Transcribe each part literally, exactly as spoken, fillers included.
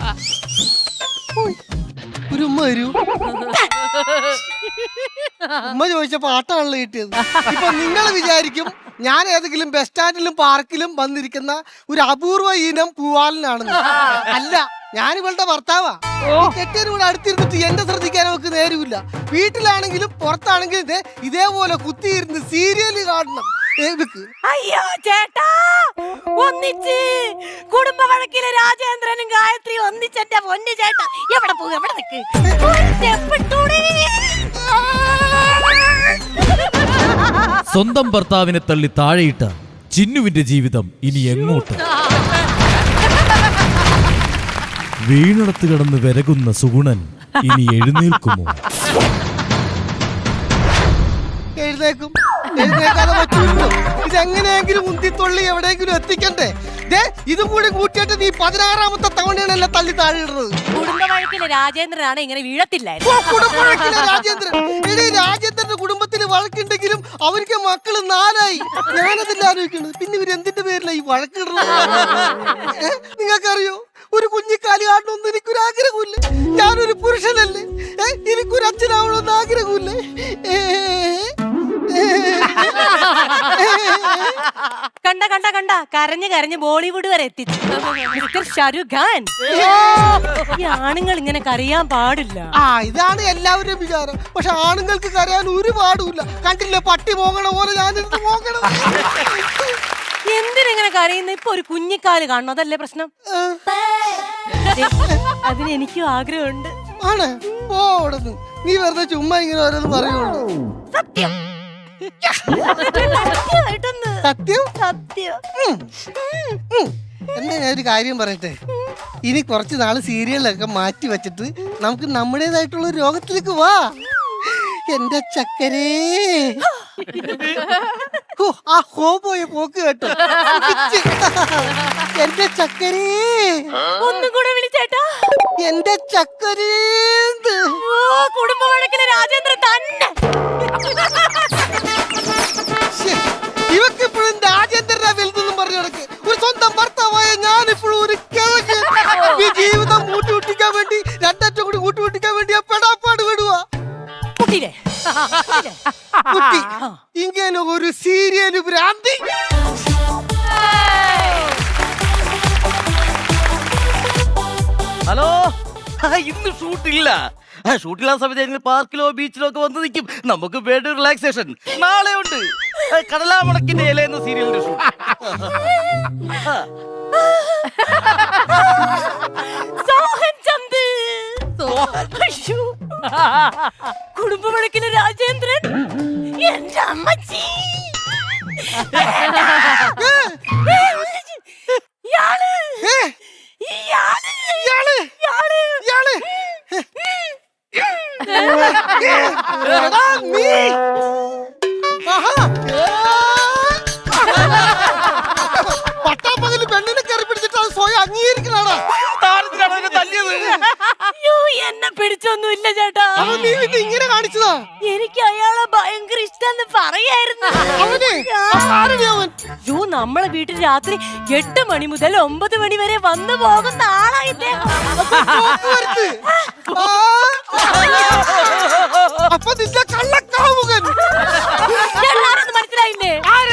ഒരു ഉമ്മ വരൂ. ഉമ്മ ചോദിച്ച പാട്ടാണല്ലോ കിട്ടിയത്. ഇപ്പൊ നിങ്ങൾ വിചാരിക്കും ഞാൻ ഏതെങ്കിലും ബസ് സ്റ്റാൻഡിലും പാർക്കിലും വന്നിരിക്കുന്ന ഒരു അപൂർവ ഇനം പൂവാലനാണെന്ന്. അല്ല, ഞാൻ ഇവളുടെ ഭർത്താവാ. കെട്ടിയനും കൂടെ അടുത്തിരുന്നിട്ട് എന്റെ ശ്രദ്ധിക്കാൻ അവർക്ക് നേരമില്ല. വീട്ടിലാണെങ്കിലും പുറത്താണെങ്കിലും ഇതേ ഇതേപോലെ കുത്തിയിരുന്ന് സീരിയല് കാണണം. അയ്യോ ചേട്ടാ, ഒന്നിച്ച് കുടുംബ വഴക്കിലെ രാജേന്ദ്രനും ഗായത്രി ഒന്നിച്ചെന്റെ പൊന്നു ചേട്ടാ. എവിടെ പോകും, എവിടെ നിക്ക്? സ്വന്തം ഭർത്താവിനെ തള്ളി താഴെയിട്ട ചിന്നുവിന്റെ ജീവിതം ഇനി എങ്ങോട്ട്? വീണടത്ത് കിടന്ന് വിരകുന്ന സുഗുണൻ ഇനി എഴുന്നേൽക്കുമോ? എഴുന്നേക്കും. എഴുന്നേക്കാതെ പറ്റൂല്ലോ. ഇതെങ്ങനെയെങ്കിലും ഉന്തിത്തൊള്ളി എവിടെയെങ്കിലും എത്തിക്കണ്ടേ? ഇതും കൂടി കൂട്ടിയിട്ട് നീ പതിനാറാമത്തെ തവണയാണല്ലേ തള്ളി താഴെയിടുന്നത്. കുടുംബ വഴക്കിലെ രാജേന്ദ്രനാണ് ഇങ്ങനെ വീഴത്തില്ലായിരുന്നു. രാജേന്ദ്രൻ എടീ, രാജേന്ദ്രന്റെ കുടുംബത്തിൽ വഴക്കുണ്ടെങ്കിലും അവർക്ക് മക്കള് നാലായി. ഞാനതില്ല ആലോചിക്കുന്നത്. പിന്നെ ഇവരെന്തിന്റെ പേരില ഈ വഴക്കിടുന്നത്? നിങ്ങൾക്കറിയോ, ഒരു കുഞ്ഞിക്കാലി കാണണമെന്ന് എനിക്കൊരു ആഗ്രഹമില്ല. ഞാനൊരു പുരുഷനല്ലേ, എനിക്കൊരു അച്ഛനാവണമെന്ന് ആഗ്രഹമില്ലേ? കണ്ട കണ്ട കണ്ട കരഞ്ഞ് കരഞ്ഞ് ബോളിവുഡ് വരെ എത്തിച്ചു മിസ്റ്റർ ഷാരൂഖ് ഖാൻ. ഈ ആണുങ്ങൾ ഇങ്ങനെ കരയാൻ പാടില്ല. ആ, ഇതാണ് എല്ലാവരും വിചാരം. പക്ഷെ ആണുങ്ങൾക്ക് കരയാൻ ഒരു പാടുമില്ല. കണ്ടില്ലേ, പട്ടി പോകണ പോലെ ഞാനിരുന്ന് പോകണം. എന്തിനെങ്ങനെ കരയുന്ന? ഇപ്പൊ ഒരു കുഞ്ഞിക്കാല് കാണണം, അതല്ലേ പ്രശ്നം? അതിന് എനിക്കും ആഗ്രഹമുണ്ട്. ആണ് പോടുന്നു. നീ വെറുതെ ചുമ്മാ ഇങ്ങനെ ഓരോന്ന് പറയുള്ളൂ. സത്യം സത്യം സത്യം. എന്താ ഞാനൊരു കാര്യം പറയട്ടെ. ഇനി കുറച്ച് നാള് സീരിയലൊക്കെ മാറ്റി വെച്ചിട്ട് നമുക്ക് നമ്മുടേതായിട്ടുള്ള ഒരു രോഗത്തിലേക്ക് വാ. എന്റെ ചക്കരേ. ആ ഹോ പോയ പോക്ക് കേട്ടോ. എന്റെ ചക്കരേ. ഒന്നും കൂടെ വിളിച്ചേട്ടാ. എന്റെ ചക്കരേ. കുടുംബ വഴക്കിലെ രാജേന്ദ്രൻ തന്നെ. ഇവക്ക് ഇപ്പോഴും രാജേന്ദ്രനെ വലുതെന്നും പറഞ്ഞു നടക്ക്. ഒരു സ്വന്തം ഭർത്താവായ ഞാനിപ്പോഴും ഒരു കിഴക്ക്. ഈ ജീവിതം കൂട്ടിമുട്ടിക്കാൻ വേണ്ടി രണ്ടറ്റം കൂടി കൂട്ടിമുട്ടിക്കാൻ വേണ്ടി ആ പെടാപ്പാട് വിടുവാ. കുട്ടി ഇങ്ങനെ ഒരു സീരിയല് ഭ്രാന്തി. ഹലോ, ഇന്ന് ഷൂട്ടില്ല. ഷൂട്ടില്ലാത്ത സമയത്ത് ഞങ്ങൾ പാർക്കിലോ ബീച്ചിലോ ഒക്കെ വന്ന് നിൽക്കും. നമുക്ക് വേണ്ട റിലാക്സേഷൻ നാളെ ഉണ്ട്. കടലാമണക്കിന്റെ ഇല എന്ന സീരിയലിന്റെ ഷൂട്ട്. കുടുംബ വഴക്കിലെ രാജേന്ദ്രൻ എന്റെ അമ്മച്ചി. ഇയാള് ഇയാള് ഇയാള് ഇയാള് ഇയാള് എടാ നീ. ആഹാ, പട്ടാപ്പകല് പെണ്ണിനെ കയറി പിടിച്ചിട്ട് അത് സ്വയം അംഗീകരിക്കണാടാ. എന്നെ പിടിച്ചൊന്നും ഇല്ല ചേട്ടാ. നീ പിന്നെ ഇങ്ങനെ കാണിച്ചതാ. എനിക്ക് അയാളെ ഭയങ്കര ഇഷ്ടം പറയായിരുന്നു. യോ, നമ്മളെ വീട്ടിൽ രാത്രി എട്ട് മണി മുതൽ ഒമ്പത് മണി വരെ വന്നു പോകുന്ന ആളായിട്ടേ. അപ്പൊ നിന്റെ കള്ളക്കാമുകൻ. എല്ലാരും മനസ്സിലായില്ലേ?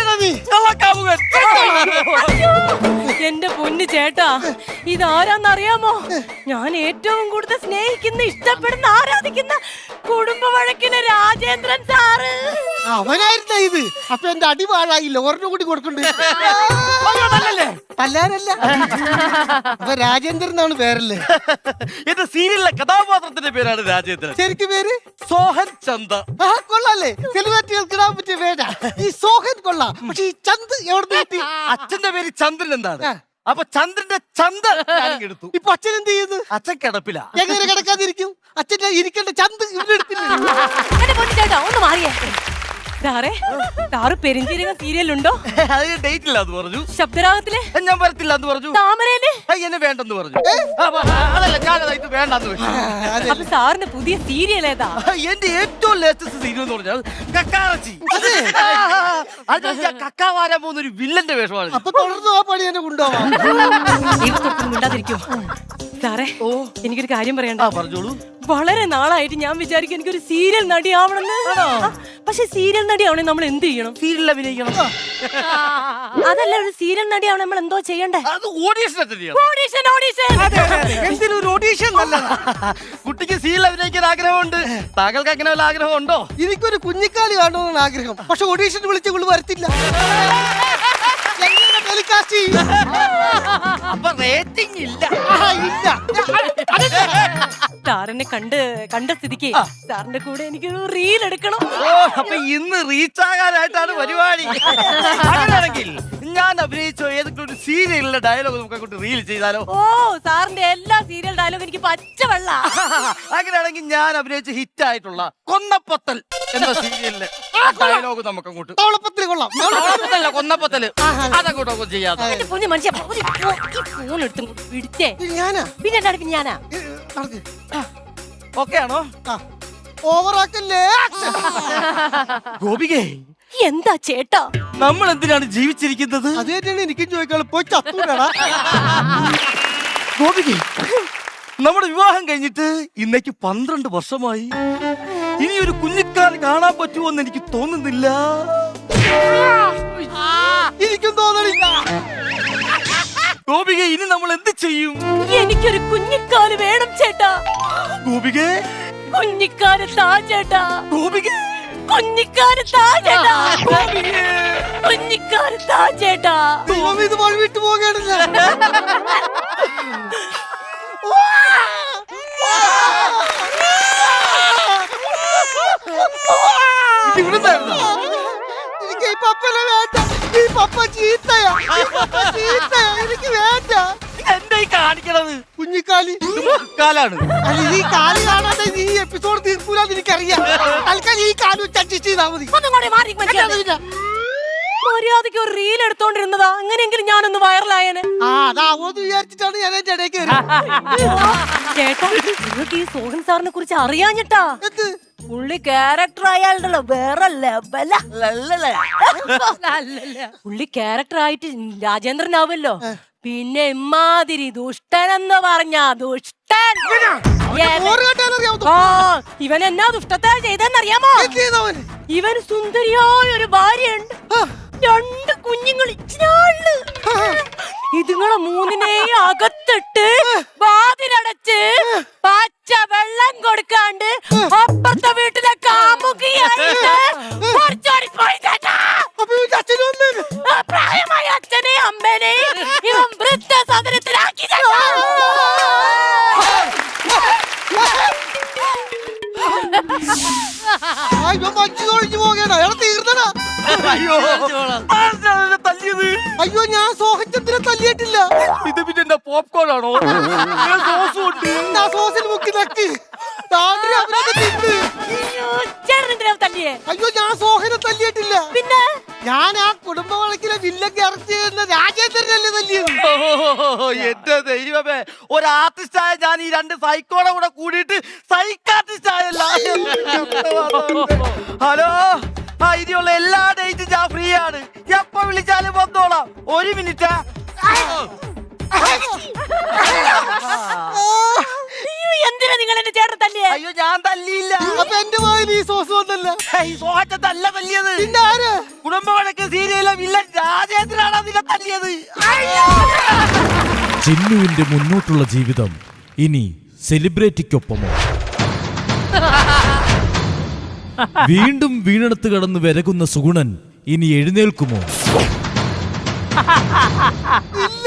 എന്റെ പൊന്നു ചേട്ടാ, ഇതാരാന്നറിയാമോ? ഞാൻ ഏറ്റവും കൂടുതൽ സ്നേഹിക്കുന്ന, ഇഷ്ടപ്പെടുന്ന, ആരാധിക്കുന്ന കുടുംബ വഴക്കിലെ രാജേന്ദ്രൻ സാറ്. അവനായിരുന്ന ഇത്. അപ്പൊ എന്റെ അടി പാഴായില്ല. ഒരെണ്ണം കൂടി കൊടുക്കണ്ടേ? തല്ലാനല്ല. അപ്പൊ രാജേന്ദ്രൻ എന്നാണ് പേരല്ലേ? എന്റെ സീരിയലിലെ കഥാപാത്രത്തിന്റെ പേരാണ് രാജേന്ദ്രൻ. ശരിക്കും പേര് സോഹൻ ചന്ദ. ആ, കൊള്ളാല്ലേ? സെലിബ്രിറ്റികൾക്ക് ഇടാൻ പറ്റിയ പേരാ ഈ സോഹൻ. കൊള്ളാം. പക്ഷെ ഈ ചന്ദ് എവിടെ കിട്ടി? അച്ഛന്റെ പേര് ചന്ദ്രൻ എന്താണ്? അപ്പൊ ചന്ദ്രന്റെ ചന്ത എടുത്തു. ഇപ്പൊ അച്ഛൻ എന്ത് ചെയ്യുന്നു? അച്ഛൻ കിടപ്പില്ല. എങ്ങനെ കിടക്കാതിരിക്കും? അച്ഛന്റെ ഇരിക്കേണ്ട ചന്ത് ഇവിടെ എടുത്തില്ല. എന്റെ പൊന്നു ചേട്ടാ, ഒന്ന് മാറിയേ. സാറേ, സാറ് പെരിഞ്ചീരകം സീരിയലുണ്ടോ? അതിന് ഡേറ്റ് ഇല്ല എന്ന് പറഞ്ഞു. ശബ്ദരാഗത്തില് ഞാൻ വരത്തില്ല എന്ന് പറഞ്ഞു. താമരയില് എന്നെ വേണ്ടെന്ന് പറഞ്ഞു. അതല്ല, ഞാനത് വേണ്ടെന്ന് വെച്ചു. അപ്പൊ സാറിന് പുതിയ സീരിയൽ ഏതാ? എന്റെ ഏറ്റവും ലേറ്റസ്റ്റ് സീരിയൽ എന്ന് പറഞ്ഞാൽ കക്കാറച്ചി. അത് ഞാൻ കക്ക വാരാൻ പോകുന്ന ഒരു വില്ലന്റെ വേഷമാണ്. അപ്പൊ തുടർന്ന് ആ പണി എന്നെ കൊണ്ടുപോവാം. മിണ്ടാതിരിക്കും. സാറേ ഓ എനിക്കൊരു കാര്യം പറയണ്ട. ആ പറഞ്ഞോളൂ. വളരെ നാളായിട്ട് ഞാൻ വിചാരിക്കും എനിക്കൊരു സീരിയൽ നടിയാവണമെന്ന്. പക്ഷെ സീരിയൽ നടിയാവണേ നമ്മൾ എന്ത് ചെയ്യണം? സീരിയൽ അഭിനയിക്കണം. അതല്ല, ഒരു സീരിയൽ നടിയാവണേ നമ്മൾ എന്തോ ചെയ്യണ്ടേ? അത് ഓഡീഷൻ ഓഡീഷൻ ഓഡീഷൻ എന്തിനും ഒരു ഓഡീഷൻ നല്ലതാ. കുട്ടിക്ക് സീരിയൽ അഭിനയിക്കാൻ ആഗ്രഹമുണ്ട്. താങ്കൾക്ക് അങ്ങനെ വല്ല ആഗ്രഹം ഉണ്ടോ? എനിക്കൊരു കുഞ്ഞിക്കാലി കാണണമെന്നാണ് ആഗ്രഹം. പക്ഷെ ഓഡീഷൻ വിളിച്ച് വിളി വരത്തില്ല. എങ്ങനെ ടെലികാസ്റ്റ് ചെയ്യും? അപ്പൊ റേറ്റിംഗ് ഇല്ല. ആഹാ, ഇല്ല. സാറിനെ കണ്ട് കണ്ട സ്ഥിതിക്ക് സാറിന്റെ കൂടെ എനിക്കൊരു റീൽ എടുക്കണം. ഓ അപ്പൊ ഇന്ന് റീച്ച് ആകാനായിട്ടാണ് പരിപാടി. അങ്ങനെയാണെങ്കിൽ ഞാൻ അഭിനയിച്ച ഏതെങ്കിലും ഒരു സീരിയലിലെ ഡയലോഗ് നമുക്ക് അങ്ങോട്ട് റീൽ ചെയ്താലോ? ഓ സാറിന്റെ എല്ലാ സീരിയൽ ഡയലോഗ് എനിക്ക് പച്ചവെള്ള. അങ്ങനെയാണെങ്കിൽ ഞാൻ അഭിനയിച്ച ഹിറ്റ് ആയിട്ടുള്ള കൊന്നപ്പത്തൽ എന്ന സീരിയലിലെ ഡയലോഗ് നമുക്ക് അങ്ങോട്ട് തവളപ്പത്തിൽ കൊള്ളാം. കൊന്നപ്പത്തല്ല കൊന്നപ്പത്തല് അതങ്ങോട്ടൊക്കെ ചെയ്യാതെ. എന്റെ പൊന്നു മനുഷ്യ, ഒരു ഫോ- ഈ ഫോൺ എടുത്ത് പിടിച്ചേ. ഇത് ഞാനാ പിന്നെ എന്താണ് പിന്നെ ഞാനാ? ഏ, നടക്ക്. ഓക്കെ ആണോ? ആ, ഓവറാക്കല്ലേ. ഗോപികേ, എന്താ ചേട്ടാ? നമ്മൾ എന്തിനാണ് ജീവിച്ചിരിക്കുന്നത്? അത് തന്നെയാണ് എനിക്കും ചോദിക്കാനുള്ളത്. പോയി ചത്തൂടാ. ഗോപികേ, നമ്മുടെ വിവാഹം കഴിഞ്ഞിട്ട് ഇന്നേക്ക് പന്ത്രണ്ട് വർഷമായി. ഇനി ഒരു കുഞ്ഞിക്കാൽ കാണാൻ പറ്റുമോന്ന് എനിക്ക് തോന്നുന്നില്ല. എനിക്കും തോന്നണില്ല. ഗോപിക, ഇനി നമ്മൾ എന്ത് ചെയ്യും? എനിക്കൊരു കുഞ്ഞിക്കാല് വേണം ചേട്ടാ. ഗോപികേ, കുഞ്ഞിക്കാല് താ ചേട്ടാ. ഗോപികേ, കുഞ്ഞിക്കാല് താ ചേട്ടാ. ഗോപികേ. കുഞ്ഞിക്കാല് താ ചേട്ടാ. ദൈവം, ഇത് വഴി വിട്ടു പോകേണ്ടില്ല. ഇവിടുന്നായിരുന്നോ? എനിക്ക് ഈ പപ്പനെ വേണ്ട. ഈ പപ്പ ചീത്തയാ. ഈ പപ്പ ചീത്തയാ. എനിക്ക് വേണ്ട. എന്താ ഈ കാണിക്കണത്? കുഞ്ഞിക്കാലി കാലാണ്. അല്ല, ഈ കാലി കാണാതെ ഈ എപ്പിസോഡ് തീർക്കൂലെന്ന് എനിക്കറിയാം. തൽക്കാലം ഈ കാലം വെച്ച് അഡ്ജസ്റ്റ് ചെയ്താൽ മതി. ഒന്നും കൂടി മാറി മനുഷ്യ. മര്യാദയ്ക്ക് ഒരു റീൽ എടുത്തോണ്ടിരുന്നതാ. അങ്ങനെയെങ്കിലും ഞാനൊന്ന് വൈറലായനെ. ആ, അതാവോന്ന് വിചാരിച്ചിട്ടാണ് ഞാൻ എന്റെ ഇടയ്ക്ക് കയറിയത്. ചേട്ടാ, നിങ്ങൾക്ക് ഈ സോഹൻ സാറിനെ കുറിച്ച് അറിയാഞ്ഞിട്ടാ. എന്ത്? പുള്ളി ക്യാരക്ടർ ആയാലുണ്ടല്ലോ വേറെ ലെവല. പുള്ളി ക്യാരക്ടർ ആയിട്ട് രാജേന്ദ്രനാവല്ലോ. പിന്നെ ഇമാതിരി ദുഷ്ടനെന്ന് പറഞ്ഞ ദുഷ്ടൻ. ഓറ് കേട്ടാലും അറിയാമോ? ആ, ഇവൻ എന്നാ ദുഷ്ടത്തെ ചെയ്തെന്നറിയാമോ? എന്ത് ചെയ്തവന്? ഇവന് സുന്ദരിയായ ഒരു ഭാര്യയുണ്ട്. രണ്ട് കുഞ്ഞുങ്ങൾ ഇച്ചിനാള്. ഇതുങ്ങളെ മൂന്നിനെയും അകത്തിട്ട് വാതിലടച്ച് പച്ച വെള്ളം കൊടുക്കാണ്ട് അപ്പുറത്തെ വീട്ടിലെ കാമുകിയായിട്ട് പുറത്തോടിപ്പോയി ചേട്ടാ. അപ്പൊ ഇവന്റെ അച്ഛനും അമ്മയും? ആ പ്രായമായ അച്ഛനെ അമ്മനെ ഇവൻ വൃദ്ധസദനത്തിലാക്കി ചേട്ടാ. ആ, ഇവൻ മഞ്ജു തൊഴിഞ്ഞു പോകേണ്ട. അയാളെ തീർന്നടാ. അയ്യോ, ആരാണ് എന്നെ തല്ലിയത്? അയ്യോ, ഞാൻ സോഹച്ചന്ദ്രനെ തല്ലിയിട്ടില്ല. ഇത് പിന്നെ എന്റെ പോപ്കോൺ ആണോ? ഇതിന് സോസും ഉണ്ട്. ഞാൻ സോസിൽ മുക്കി നക്കി. താണ്ടി അവരത് തിന്ന്. അയ്യോ, ചേട്ടൻ എന്തിനാ തല്ലിയേ? അയ്യോ, ഞാൻ സോഹനെ തല്ലിയിട്ടില്ല. പിന്നെ ഞാൻ ആ കുടുംബ വഴക്കിലെ വില്ലൊക്കെ അറസ്റ്റ് ചെയ്യുന്ന രാജേന്ദ്രനല്ലേ തല്ലിയത്. ഓ, എന്റെ ദൈവമേ, ഒരു ആർട്ടിസ്റ്റ് ആയ ഞാൻ ഈ രണ്ട് സൈക്കോടെ കൂടെ കൂടിയിട്ട് സൈക്കാർട്ടിസ്റ്റ് ആയല്ല. ഹലോ, ആ ഇനിയുള്ള എല്ലാ ഡേറ്റും ഞാൻ ഫ്രീ ആണ്. എപ്പോ വിളിച്ചാലും വന്നോളാം. ഒരു മിനിറ്റ്. അയ്യോ, എന്തിനാ നിങ്ങൾ എന്റെ ചേട്ടൻ തല്ലിയേ? അയ്യോ, ഞാൻ തല്ലിയില്ല. അപ്പൊ എന്റെ വായിൽ ഈ സോസ് വന്നല്ല. ഈ സോഹത്തല്ല തല്ലിയത്. പിന്നെ ആര്? കുടുംബ വഴക്ക് സീരിയലിലെ വില്ലൻ രാജേന്ദ്രനാണ് അതിനെ തല്ലിയത്. ചിന്നുവിന്റെ മുന്നോട്ടുള്ള ജീവിതം ഇനി സെലിബ്രിറ്റിക്കൊപ്പമോ? വീണ്ടും വീണെടുത്ത് കടന്ന് വിരകുന്ന സുഗുണൻ ഇനി എഴുന്നേൽക്കുമോ? ഇല്ല.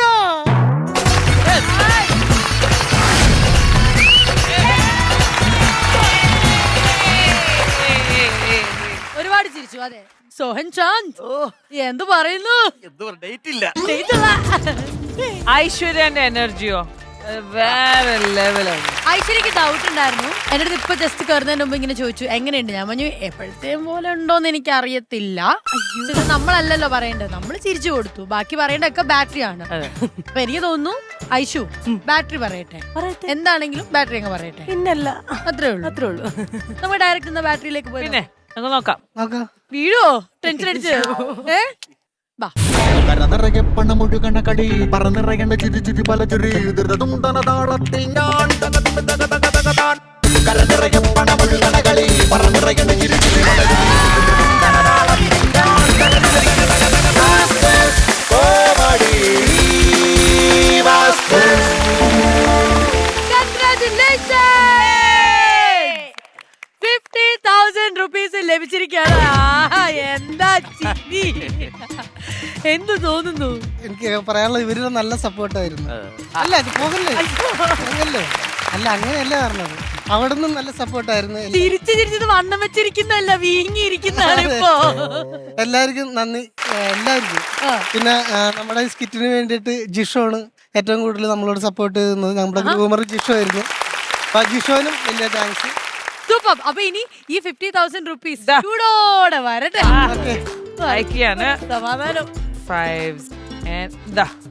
ഒരുപാട് ചിരിച്ചു. അതെ, സോഹൻ ചാന്ദ് ഓ, എന്തു പറയുന്നു? എന്തോ ഡേറ്റ് ഇല്ല. ഐശ്വര്യന്റെ എനർജിയോ വേറെ ലെവലാണ്. ഐശ്വര്യക്ക് ഡൗട്ട് ഉണ്ടായിരുന്നു. എന്റെ അടുത്ത് ഇപ്പൊ ജസ്റ്റ് കയറുന്നതിന് മുമ്പ് ഇങ്ങനെ ചോദിച്ചു എങ്ങനെയുണ്ട്. ഞാൻ പറഞ്ഞു എപ്പോഴത്തെയും പോലെ ഉണ്ടോന്ന് എനിക്ക് അറിയത്തില്ല. ഇത് നമ്മളല്ലല്ലോ പറയേണ്ടത്, നമ്മൾ ചിരിച്ചു കൊടുത്തു. ബാക്കി പറയേണ്ടതൊക്കെ ബാറ്ററി ആണ്. അപ്പൊ എനിക്ക് തോന്നുന്നു ഐശു ബാറ്ററി പറയട്ടെ. എന്താണെങ്കിലും ബാറ്ററി അങ്ങ് പറയട്ടെ. പിന്നല്ല, അത്രേ ഉള്ളൂ അത്രേ ഉള്ളൂ. നമ്മൾ ഡയറക്റ്റ് ബാറ്ററിയിലേക്ക് പോയി പിന്നെ നമുക്ക് നോക്കാം. നോക്കാം. വീഴോ ടെൻഷൻ അടിച്ച്. ഏ വാ. കരനിറയെ പണമൊഴുകണ കളി പറന്നിറയേണ്ട ചിരി ചിരി പല ചുരി ധൃതതുണ്ടന താളത്തിൽ ഞാൻ കരനിറയെ പണമൊഴുകണ കളി പറന്നിറയേണ്ട ചിരി ചിരി പല ചുരി ധൃതതുണ്ടന താളത്തിൽ ഞാൻ കോമഡി ഫിഫ്റ്റി തൗസൻഡ് റുപ്പീസ് ലഭിച്ചിരിക്കുകയാണ്. ആഹാ, എന്താ ചിരി. എന്ത് തോന്നുന്നു? എനിക്ക് പറയാനുള്ളത് ഇവരുടെ നല്ല സപ്പോർട്ടായിരുന്നു. അല്ല ഇത് പോകല്ലേ പോകല്ലേ അല്ല അങ്ങനെയല്ല പറഞ്ഞത്. അവിടെ നിന്നും നല്ല സപ്പോർട്ടായിരുന്നു. ചിരിച്ച് ചിരിച്ചത് വണ്ണം വെച്ചിരിക്കുന്നല്ല, വീങ്ങിയിരിക്കുന്നതാണ് ഇപ്പോ. എല്ലാവർക്കും നന്ദി, എല്ലാവർക്കും. പിന്നെ ആ, നമ്മുടെ ഈ സ്കിറ്റിന് വേണ്ടിയിട്ട് ജിഷോണ് ഏറ്റവും കൂടുതൽ നമ്മളോട് സപ്പോർട്ട് ചെയ്യുന്നത്. നമ്മുടെ ഗ്രൂമർ ജിഷോ ആയിരുന്നു. അപ്പൊ ജിഷോനും വലിയ താങ്ക്സ്. സൂപ്പർ. അപ്പൊ ഇനി ഈ ഫിഫ്റ്റി തൗസൻഡ് റുപ്പീസ് ചൂടോടെ വരട്ടെ. ഓക്കെ അയക്കാണ് സമാധാനം. ഫൈവ്